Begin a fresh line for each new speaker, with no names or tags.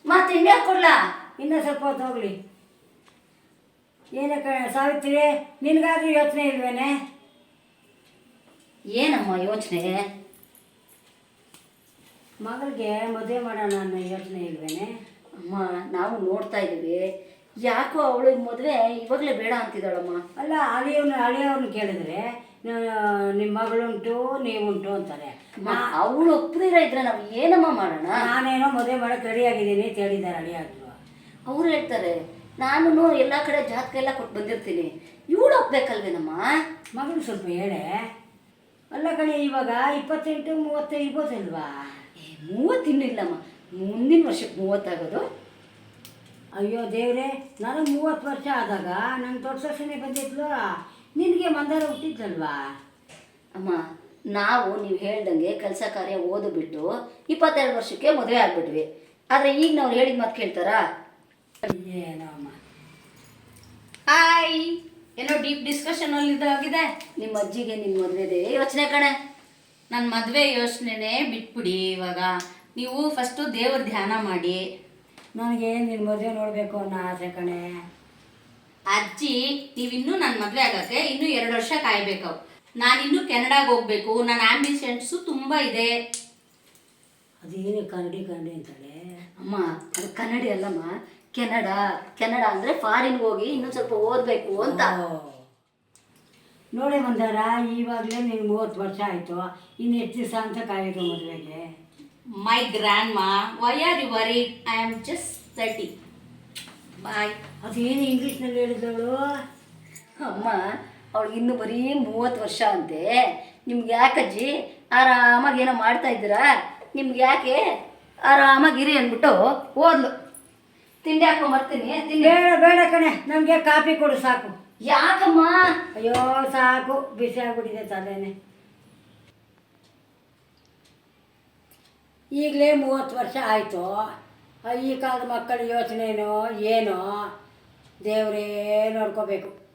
ಮತ್ತೆ ಇನ್ನೇ ಕೊಡ್ಲಾ?
ಇನ್ನೂ ಸ್ವಲ್ಪ ಹೊತ್ತು ಹೋಗಲಿ. ಏನಕ್ಕೆ ಸಾವಿತ್ರಿ, ನಿನಗಾದ್ರೂ ಯೋಚನೆ ಇಲ್ವೇನೆ?
ಏನಮ್ಮ ಯೋಚನೆ?
ಮಗಳಿಗೆ ಮದುವೆ ಮಾಡೋಣ ಅನ್ನೋ ಯೋಚನೆ ಇಲ್ವೇನೆ?
ಅಮ್ಮ ನಾವು ನೋಡ್ತಾ ಇದ್ದೀವಿ, ಯಾಕೋ ಅವಳು ಮದುವೆ ಇವಾಗಲೇ ಬೇಡ ಅಂತಿದ್ದಾಳಮ್ಮ.
ಅಲ್ಲ, ಹಳೆಯವ್ರನ್ನ ಕೇಳಿದ್ರೆ ನಿಮ್ಮ ಮಗಳುಂಟು ನೀವುಂಟು ಅಂತಾರೆ.
ಅವಳು ಒಪ್ಪದಿರ ಇದ್ರೆ ನಾವು ಏನಮ್ಮ ಮಾಡೋಣ?
ನಾನೇನೋ ಮದುವೆ ಮಾಡೋಕ್ಕೆ ರೆಡಿಯಾಗಿದ್ದೀನಿ ಅಂತ ಹೇಳಿದ್ದಾರೆ ಹಳೆಯಾದ್ರು.
ಅವ್ರು ಹೇಳ್ತಾರೆ, ನಾನು ಎಲ್ಲ ಕಡೆ ಜಾತಕ ಎಲ್ಲ ಕೊಟ್ಟು ಬಂದಿರ್ತೀನಿ, ಇವಳು ಒಪ್ಬೇಕಲ್ವೇನಮ್ಮ?
ಮಗಳು ಸ್ವಲ್ಪ ಹೇಳೆ. ಅಲ್ಲ ಕಣೆ, ಇವಾಗ 28-30 ಇರ್ಬೋದಲ್ವಾ?
30 ಇನ್ನೂ ಇಲ್ಲಮ್ಮ, ಮುಂದಿನ ವರ್ಷಕ್ಕೆ 30 ಆಗೋದು.
ಅಯ್ಯೋ ದೇವ್ರೆ, ನನಗೆ 30 ವರ್ಷ ಆದಾಗ ನನ್ನ ದೊಡ್ಡ ಸೊಸೆನೇ ಬಂದಿದ್ಲು, ನಿನಗೆ ಮಂದಾರ ಹುಟ್ಟಿದ್ಲಲ್ವಾ?
ಅಮ್ಮ ನಾವು ನೀವು ಹೇಳ್ದಂಗೆ ಕೆಲಸ ಕಾರ್ಯ ಓದು ಬಿಟ್ಟು 22 ವರ್ಷಕ್ಕೆ ಮದುವೆ ಆಗ್ಬಿಟ್ವಿ. ಆದರೆ ಈಗ ನಾವು ಹೇಳಿದ ಮಾತು ಕೇಳ್ತಾರಾ?
ಏನೋ ಅಮ್ಮ.
ಹಾಯ್, ಏನೋ ಡೀಪ್ ಡಿಸ್ಕಷನ್ ಅಲ್ಲಿ ಇದಾಗಿದೆ.
ನಿಮ್ಮ ಅಜ್ಜಿಗೆ ನಿಮ್ಮ ಮದುವೆದೇ ಯೋಚನೆ ಕಣೆ.
ನನ್ನ ಮದುವೆ ಯೋಚನೆನೇ ಬಿಟ್ಬಿಡಿ. ಇವಾಗ ನೀವು ಫಸ್ಟು ದೇವ್ರ ಧ್ಯಾನ ಮಾಡಿ.
ನನಗೆ ನಿನ್ನ ಮದುವೆ ನೋಡಬೇಕು ಅನ್ನೋ ಆಸೆ ಕಣೆ.
ಅಜ್ಜಿ, ನೀವಿನ್ನೂ ನನ್ನ ಮದುವೆ ಆಗೋಕ್ಕೆ ಇನ್ನೂ 2 ವರ್ಷ ಕಾಯಬೇಕು. ನಾನಿನ್ನೂ ಕೆನಡಾಗೆ ಹೋಗ್ಬೇಕು. ನನ್ನ ಆಂಬಿಷನ್ಸು ತುಂಬ ಇದೆ.
ಅದೇನು ಕನ್ನಡಿ ಅಂತಾಳೆ
ಅಮ್ಮ. ಅದು ಕನ್ನಡಿ ಅಲ್ಲಮ್ಮ, ಕೆನಡಾ ಅಂದರೆ ಫಾರಿನ್ಗೆ ಹೋಗಿ ಇನ್ನೊಂದು ಸ್ವಲ್ಪ ಓದಬೇಕು ಅಂತ.
ನೋಡಿ ಮಂದಾರ, ಇವಾಗಲೇ ನಿನ್ಗೆ 30 ವರ್ಷ ಆಯಿತು, ಇನ್ನು ಎಷ್ಟು ದಿವಸ ಅಂತ ಕಾಯೋದು ಮದುವೆಗೆ?
My grandma, why are you worried? I am just 30. Bye.
ಅದೇನು ಇಂಗ್ಲೀಷ್ನಲ್ಲಿ ಹೇಳಿದವಳು?
ಅಮ್ಮ ಅವಳಿಗೆ ಇನ್ನೂ ಬರೀ 30 ವರ್ಷ ಅಂತೆ. ನಿಮ್ಗೆ ಯಾಕಜ್ಜಿ, ಆರಾಮಾಗಿ ಏನೋ ಮಾಡ್ತಾ ಇದ್ದೀರಾ, ನಿಮ್ಗೆ ಯಾಕೆ, ಆರಾಮಾಗಿರಿ ಅಂದ್ಬಿಟ್ಟು ಓದ್ಲು. ತಿಂಡಿ ಹಾಕೊಂಬರ್ತೀನಿ.
ಬೇಡ ಕಣೆ, ನಮಗೆ ಕಾಫಿ ಕೊಡು ಸಾಕು.
ಯಾಕಮ್ಮ?
ಅಯ್ಯೋ ಸಾಕು, ಬಿಸಿ ಆಗ್ಬಿಟ್ಟಿದೆ ತಲೆನೇ. ಈಗಲೇ 30 ವರ್ಷ ಆಯಿತು. ಈ ಕಾಲದ ಮಕ್ಕಳ ಯೋಚನೆನೋ ಏನೋ ದೇವರೇ ನೋಡ್ಕೋಬೇಕು.